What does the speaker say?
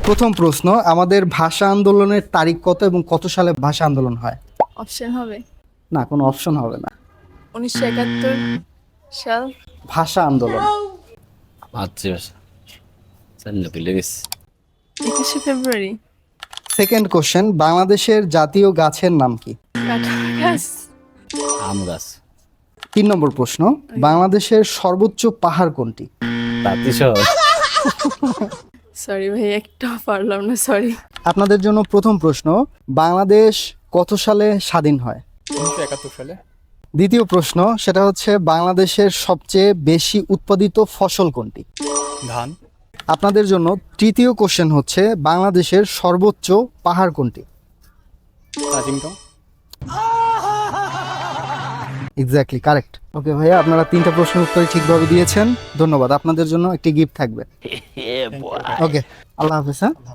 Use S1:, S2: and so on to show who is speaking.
S1: প্রথম প্রশ্ন, আমাদের ভাষা আন্দোলনের তারিখ কত এবং কত সালে ভাষা আন্দোলন হয়?
S2: অপশন হবে
S1: না, কোনো অপশন হবে না।
S2: 1971 সাল।
S1: ভাষা আন্দোলন
S3: মাতৃভাষা জানি ভুলে গেছি।
S2: 21শে ফেব্রুয়ারি।
S1: সেকেন্ড কোশ্চেন, বাংলাদেশের জাতীয় গাছের নাম কি?
S2: কাঁঠাল গাছ।
S3: আম গাছ।
S1: 3 নম্বর প্রশ্ন, বাংলাদেশের সর্বোচ্চ পাহাড় কোনটি?
S3: তাঁতিশহর।
S2: সরি ভাই, একটা পারলাম না, সরি।
S1: আপনাদের জন্য প্রথম প্রশ্ন, বাংলাদেশ কত সালে স্বাধীন হয়?
S4: 1971 সালে।
S1: দ্বিতীয় প্রশ্ন, সেটা হচ্ছে বাংলাদেশের সবচেয়ে বেশি উৎপাদিত ফসল কোনটি?
S4: ধান।
S1: আপনাদের জন্য তৃতীয় কোশ্চেন হচ্ছে, বাংলাদেশের সর্বোচ্চ পাহাড় কোনটি?
S4: তাজিংটং।
S1: Exactly correct. ওকে ভাইয়া, আপনারা 3টা প্রশ্নের উত্তর ঠিকভাবে দিয়েছেন, ধন্যবাদ। আপনাদের জন্য একটি গিফট থাকবে। ওকে, আল্লাহ হাফেজ। হ্যাঁ।